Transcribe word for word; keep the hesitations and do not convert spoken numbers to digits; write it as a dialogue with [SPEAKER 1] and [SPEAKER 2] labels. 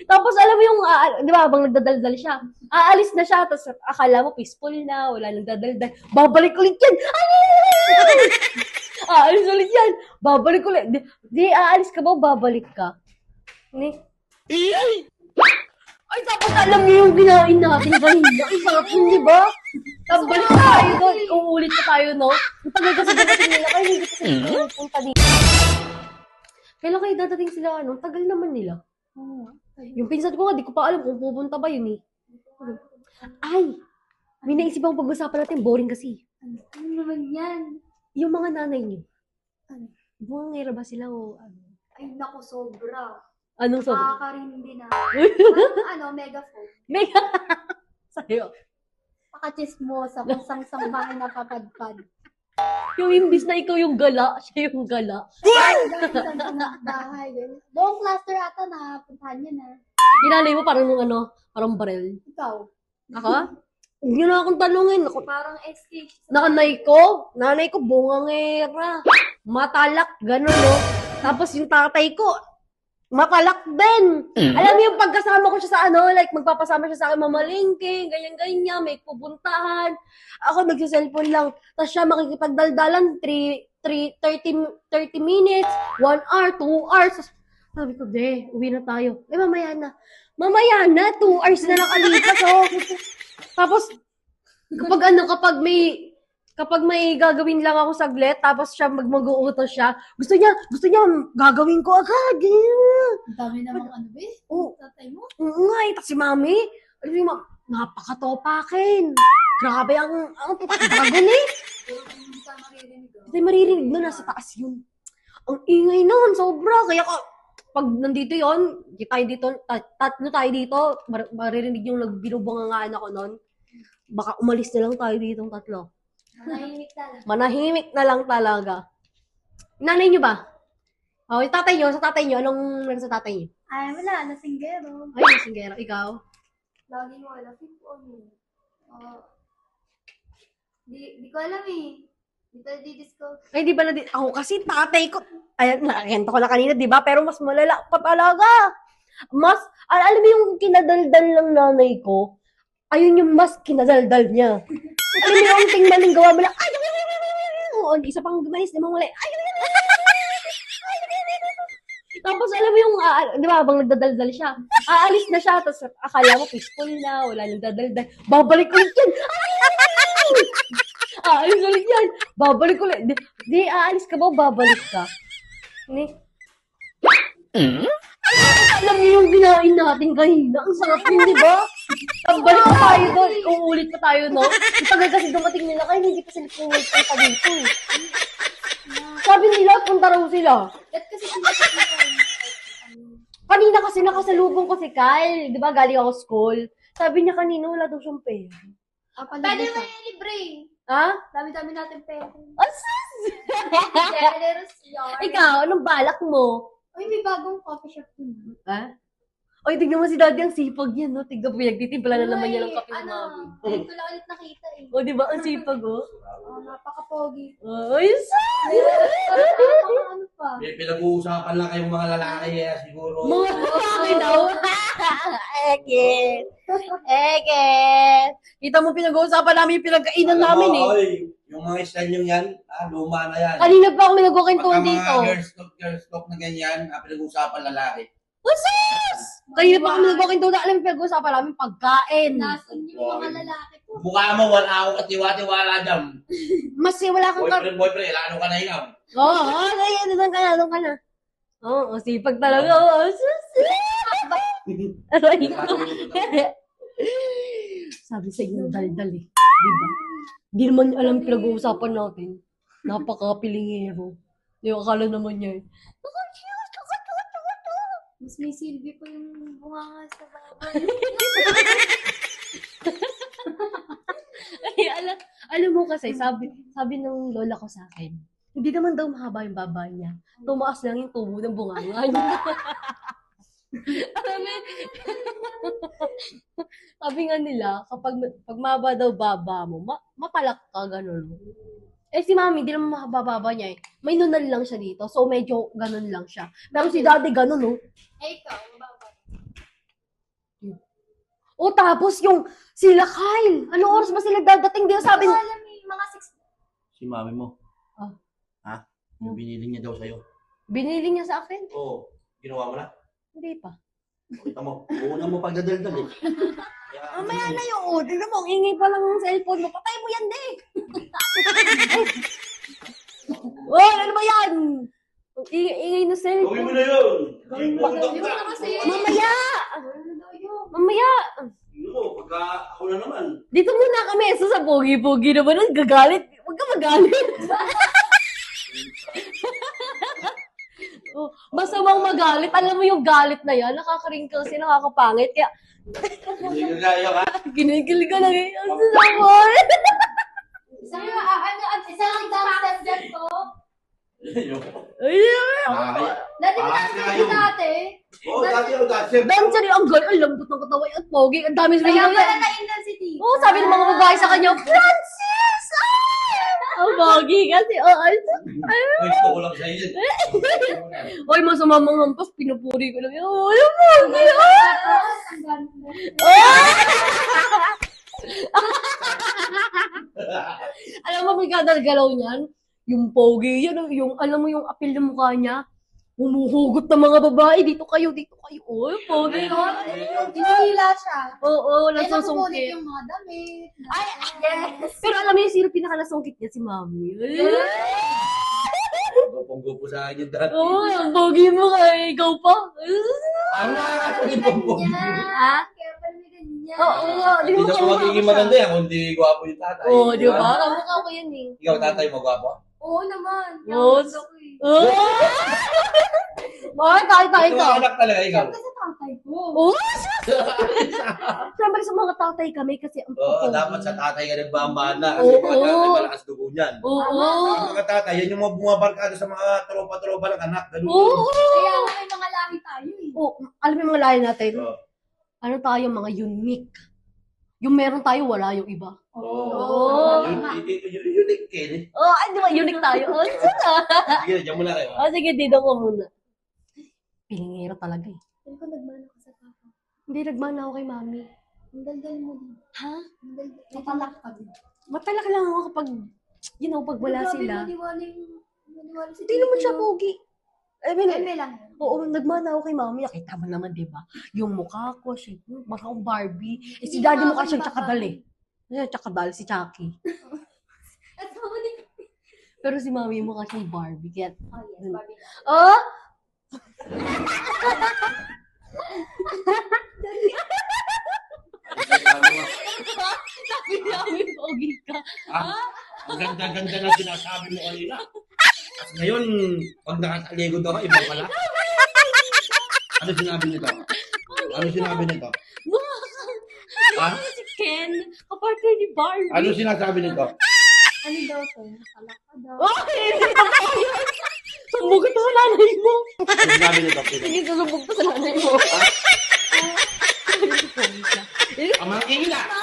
[SPEAKER 1] Tapos alam mo yung, uh, di ba, habang nagdadaldal siya, aalis na siya, tapos akala mo peaceful na, wala nang dadaldal. Babalik ulit yan! Ay! Aalis ulit yan! Babalik ulit. Di, di aalis ka ba, babalik ka? Ni? Ay, tapos alam niyo yung ginain natin kanina. Ay, sarap yun, di ba? Tapos balik tayo doon. Uulit pa tayo, no? Ang tagal kasi dadating nila. Kaya hindi kasi sila punta dito. Kailan kayo dadating sila, ano? Tagal naman nila. Yung pinsan ko nga, di ko pa alam kung pupunta ba yun, eh. Ay! May naisip akong pag-usapan natin. Boring kasi.
[SPEAKER 2] Ano naman yan?
[SPEAKER 1] Yung mga nanay niyo.
[SPEAKER 2] Ano?
[SPEAKER 1] Bungangera ba sila o ano?
[SPEAKER 2] Ay, naku, sobra.
[SPEAKER 1] Anong sabi?
[SPEAKER 2] Makakarindi na. Parang ano, megaphone.
[SPEAKER 1] Mega! Sa'yo.
[SPEAKER 2] Pakachismosa kung sang-sang bahay napapadpad.
[SPEAKER 1] Yung imbis na ikaw yung gala, siya yung gala.
[SPEAKER 2] Sang-sang bahay. Ganun. Buong cluster ata na puntahan niya na.
[SPEAKER 1] Ginanay mo parang nung ano, parang barel.
[SPEAKER 2] Ikaw.
[SPEAKER 1] Ako? Huwag niyo na akong tanungin. Ako,
[SPEAKER 2] Parang S K.
[SPEAKER 1] nanay ko, nanay ko, bungangera. Matalak, gano'n, no? Tapos yung tatay ko, matalak din. Alam mo yung pagkasama ko siya sa ano, like magpapasama siya sa akin mamalingking, ganyan-ganyan, may pupuntahan. Ako nagsiselfone lang. Tapos siya makikipagdaldalan, three, three, thirty, thirty minutes, one hour, two hours. Sabi ko, de, uwi na tayo. Eh, mamaya na. Mamaya na, two hours na nakalipas, oh. Tapos, kapag ano, kapag may, kapag may gagawin lang ako saglit, tapos siya mag mag-uutos siya, gusto niya, gusto niya, gagawin ko agad. Ganyan.
[SPEAKER 2] Ang dami namang ano, be?
[SPEAKER 1] Oo.
[SPEAKER 2] Tatay mo?
[SPEAKER 1] Oo nga, eh. Tapos si mami, alam mo, ma- napakatopakin. Grabe ang, ang bago ni.
[SPEAKER 2] Hindi ka maririnig. oh.
[SPEAKER 1] Hindi maririnig na, nasa taas yun. Ang ingay naman, sobra. Kaya ka, pag nandito yon, di tayo dito, tat- tatlo tayo dito, mar- maririnig yung binubungangaan ako nun. Baka umalis na lang tayo dito ng tatlo.
[SPEAKER 2] Manahimik na lang.
[SPEAKER 1] Manahimik na lang talaga. Nanay niyo ba? Oh, yung tatay niyo, sa tatay niyo, anong meron sa tatay niyo?
[SPEAKER 2] Ay, wala. Nasinggero.
[SPEAKER 1] Ay, singgero, ikaw?
[SPEAKER 2] Lagi mo wala. Fit on eh. Oh. Di, di ko alam eh. Di tayo di-discover.
[SPEAKER 1] Ay, di ba na di- ako kasi tatay ko, ayan, nakakenta ko na kanina, di ba? Pero mas malala pa talaga. Mas, al alam mo yung kinadaldal ng nanay ko, ayun yung mas kinadaldal niya. Alam mo yung tingmaling gawa mo lang, ay, ay, ay, ay, ay, ay, oo, isa pang gumanis, di mo muli, ay, ay, ay, ay, ay, ay, ay, ay, ay. Tapos alam mo yung, ah, di ba, habang nagdadaldal siya, aalis na siya, tapos akala mo peaceful na, wala nang dadaldal, babalik ulit yan, ay, ay, ay, ay. Aalis ulit yan, babalik ulit, di, di aalis ka ba, babalik ka? Ni? Alam niyo yung ginain natin kanina, ang sarap yun, di ba? Tapos balik pa tayo doon, uulit pa tayo, no? Ang tagal kasi dumating nila, kaya hindi pa sila pumunta pa dito. eh. Sabi nila, punta raw sila.
[SPEAKER 2] Ba't kasi sinasabi ko
[SPEAKER 1] Kanina kasi nakasalubong ko si Kyle, di ba, galing ako school. Sabi niya kanina, wala daw siyang pera.
[SPEAKER 2] Ah, pwede mo yung libre.
[SPEAKER 1] Ha?
[SPEAKER 2] Dami-dami natin pera.
[SPEAKER 1] Asas!
[SPEAKER 2] Generous yarn.
[SPEAKER 1] Ikaw, anong balak mo?
[SPEAKER 2] Uy, may bagong coffee shop dun.
[SPEAKER 1] Ha? Oy, tignan mo si daddy, ang sipag yan, no? Tignan mo, nagtitimpla na naman niya ng kape ng
[SPEAKER 2] ano,
[SPEAKER 1] mami.
[SPEAKER 2] ngayon ko lang ulit nakita eh.
[SPEAKER 1] O, di ba, ang sipag, oh?
[SPEAKER 2] Oh, napaka-pogi.
[SPEAKER 1] Ay, sus!
[SPEAKER 2] Napaka ano pa.
[SPEAKER 3] May pinag-uusapan lang kayong mga lalaki eh, siguro.
[SPEAKER 1] Mga lalaki daw. Eket. Eket. Kita mo pinag-uusapan namin yung pinagkainan namin eh.
[SPEAKER 3] Oy, yung mga style nyo yan, ah, luma na yan.
[SPEAKER 1] Kanina pa ako pinag-ukintuan
[SPEAKER 3] Pagka
[SPEAKER 1] dito.
[SPEAKER 3] mga girls talk, girls talk na ganyan, ah, pinag-uusapan lalaki.
[SPEAKER 1] Usus! Kanina pa kami nag-ukintuan na alam yung pinag-uusapan namin pagkain.
[SPEAKER 2] Nasun yung mga lalaki ko.
[SPEAKER 3] Mukha mo, wala ako katiwa-tiwala dyan.
[SPEAKER 1] Mas eh, wala kang...
[SPEAKER 3] Boyfriend, boyfriend, lalo ka na ikaw.
[SPEAKER 1] Oo, oh, oh, kaya doon ka na, doon ka na. Oo, oh, sipag talaga. Oh, sus! Aray ko. Sabi sa inyo, dal-dal eh. Di ba? Di naman niya alam pinag-uusapan natin. Napaka-pilingero. Di ba, akala naman niya eh.
[SPEAKER 2] Mas may silbi pa yung bunganga sa baboy.
[SPEAKER 1] Ay, alam, alam mo kasi, sabi, sabi ng lola ko sa akin, hindi naman daw mahaba yung baba niya. Tumaas lang yung tubo ng bunganga niya. Alam mo, sabi nga nila, kapag pag mahaba daw baba mo, ma, mapalak ka, gano'n. Eh si mami, di naman mahaba baba niya eh. May nunal lang siya dito, so medyo gano'n lang siya. Pero si daddy gano'n, no?
[SPEAKER 2] Eh, ikaw, mababa.
[SPEAKER 1] O tapos yung sila Kyle. Ano oras ba sila dadating? Di ba sabi
[SPEAKER 2] Hindi ko
[SPEAKER 1] niya?
[SPEAKER 2] alam eh, mga six.
[SPEAKER 3] Si mami mo.
[SPEAKER 1] Ah.
[SPEAKER 3] Ha? Yung binili niya daw sa'yo.
[SPEAKER 1] Binili niya sa akin?
[SPEAKER 3] Oo. Ginawa mo na.
[SPEAKER 1] Hindi pa.
[SPEAKER 3] Kita mo. Una mo pagdadaldal eh. Kaya,
[SPEAKER 1] Mamaya na yung oh. Tignan mo, ang ingay pa lang ng cellphone mo. Patay mo yan, de. Oy, ano ba yan? Ang ingay-ingay na
[SPEAKER 3] Gawin mo
[SPEAKER 1] cellphone.
[SPEAKER 3] na yun.
[SPEAKER 1] Gawin mo
[SPEAKER 3] Pagdok
[SPEAKER 2] Di
[SPEAKER 3] ka.
[SPEAKER 2] ba na kasi?
[SPEAKER 1] Mamaya!
[SPEAKER 2] Ano daw yun?
[SPEAKER 1] Mamaya!
[SPEAKER 3] Ano mo, pagka ako na naman.
[SPEAKER 1] Dito muna kami. So sa pogi-pogi naman nun, gagalit. Huwag ka magalit. Oh, masamang magalit. Alam mo yung galit na yan, nakaka-wrinkles yan, nakakapangit. Kaya,
[SPEAKER 3] Hindi ka kaya ka.
[SPEAKER 1] ginigil ka lang eh. Ang sasakon.
[SPEAKER 2] Isang, ah, ano, at isang example dyan to.
[SPEAKER 1] Ay,
[SPEAKER 3] Nakakaya.
[SPEAKER 2] Dati ko
[SPEAKER 3] Ah,
[SPEAKER 2] na
[SPEAKER 3] sila
[SPEAKER 2] kasi
[SPEAKER 3] yun.
[SPEAKER 2] dati.
[SPEAKER 3] Oo, dati ako dati.
[SPEAKER 1] dancer yung ang girl. Ang lambot ng katawan. Ang pogi. Ang dami
[SPEAKER 2] Kaya
[SPEAKER 1] sila
[SPEAKER 2] pala
[SPEAKER 1] yan.
[SPEAKER 2] na-intensity.
[SPEAKER 1] Oo, sabi ng mga babae sa kanya, Francis! Ah! Ang pogi kasi. Oh, ay, ay.
[SPEAKER 3] Gusto ko lang sa'yo yun.
[SPEAKER 1] Oy, masama mga hampas. Pinupuri ko lang. Oh, ang pogi. Ah!
[SPEAKER 2] Tapos, ang ganda.
[SPEAKER 1] Ah! Alam mo, may kadal-galaw niyan? Yung pogi, yun, yung, alam mo yung apil ng mukha niya? Humuhugot ng mga babae. Dito kayo, dito kayo. Oh, pogi. Oh.
[SPEAKER 2] Hinihila siya.
[SPEAKER 1] Oo,
[SPEAKER 2] Kaya nakukulit
[SPEAKER 1] nasusungkit.
[SPEAKER 2] yung mga damit.
[SPEAKER 1] Ay, yes! Pero alam mo yung sino pinakalasungkit niya? Si Mami.
[SPEAKER 3] Gupong-gupo sa akin yung dati.
[SPEAKER 1] Oo, ang pogi mo kay ikaw pa.
[SPEAKER 3] Ang nakakasali pong
[SPEAKER 1] Ha?
[SPEAKER 2] Kaya pala may ganyan.
[SPEAKER 1] Oo, nga. Di
[SPEAKER 3] Hindi
[SPEAKER 1] mo
[SPEAKER 3] na
[SPEAKER 1] kamukha
[SPEAKER 3] magiging
[SPEAKER 1] ko siya.
[SPEAKER 3] maganda yan kung di gwapo yung tatay.
[SPEAKER 1] Oo, di ba? Kamukha ko yan eh.
[SPEAKER 3] Ikaw, tatay mo gwapo?
[SPEAKER 2] Oo naman. Kaya
[SPEAKER 1] Oo.
[SPEAKER 2] gusto ko eh.
[SPEAKER 1] Oo! Bakit tayo tayo
[SPEAKER 3] Ikaw,
[SPEAKER 1] ka?
[SPEAKER 3] anak talaga, ikaw.
[SPEAKER 2] Siyempre sa tatay ko.
[SPEAKER 1] Oo! Siyempre sa mga tatay kami kasi ang
[SPEAKER 3] Oo,
[SPEAKER 1] pogi.
[SPEAKER 3] dapat sa tatay ka nagbamana. Kasi
[SPEAKER 1] Oo.
[SPEAKER 3] mga tatay malakas dugo niyan.
[SPEAKER 1] Oo!
[SPEAKER 3] Yung mga tatay, yan yung mga bumabarkada sa mga tropa-tropa ng anak. Ganun.
[SPEAKER 1] Oo!
[SPEAKER 2] Kaya nga may mga lahi tayo eh.
[SPEAKER 1] Oo, alam mo yung mga lahi natin?
[SPEAKER 3] Oo.
[SPEAKER 1] Ano tayo, mga unique. Yung meron tayo, wala yung iba.
[SPEAKER 3] Oo.
[SPEAKER 1] Oo.
[SPEAKER 3] Yun, yun, yun, yun, yun, yun.
[SPEAKER 1] Oh, ay, di ba, unique tayo? Oh, sana.
[SPEAKER 3] Sige, dyan muna kayo.
[SPEAKER 1] Oh, sige, dito ko muna. Pilingero talaga eh.
[SPEAKER 2] Hindi ko nagmana ko sa papa.
[SPEAKER 1] Hindi, nagmana ako kay mami.
[SPEAKER 2] Ang daldal mo din.
[SPEAKER 1] Ha?
[SPEAKER 2] Ang daldal. Matalak ka din.
[SPEAKER 1] Matalak lang ako kapag, you know, pag wala
[SPEAKER 2] Grabe,
[SPEAKER 1] sila.
[SPEAKER 2] maniwala yung... Maniwala si
[SPEAKER 1] Hindi naman
[SPEAKER 2] Tito.
[SPEAKER 1] siya pogi. I mean,
[SPEAKER 2] Eme lang.
[SPEAKER 1] oo, nagmana ako kay mami. Nakita mo naman, di ba? Yung mukha ko, siya, mukha akong Barbie. Eh, si daddy mukha siyang tsakadal eh. Siya, tsakadal, si Chucky.
[SPEAKER 2] At ako din.
[SPEAKER 1] Pero si mami mukha siyang Barbie. Kaya,
[SPEAKER 2] Oh yes, Barbie.
[SPEAKER 1] oh! Sabi namin, pogi ka.
[SPEAKER 3] Ah, ang ganda-ganda na sinasabi mo kanina. At ngayon, pag nakataligod ako, iba pala. Ano sinabi nito? Ano sinabi nito?
[SPEAKER 1] Mukha
[SPEAKER 3] Ha?
[SPEAKER 1] ka si Ken, kapartner ni Barbie.
[SPEAKER 3] Ano sinasabi nito?
[SPEAKER 2] Ano daw to? Matalak ka daw.
[SPEAKER 1] Oh, hindi pa tayo. Sumbog ito sa nanay mo.
[SPEAKER 3] Ano sinabi nito?
[SPEAKER 1] Sige, susumbog ito sa nanay mo.
[SPEAKER 3] Ang mga kingin na!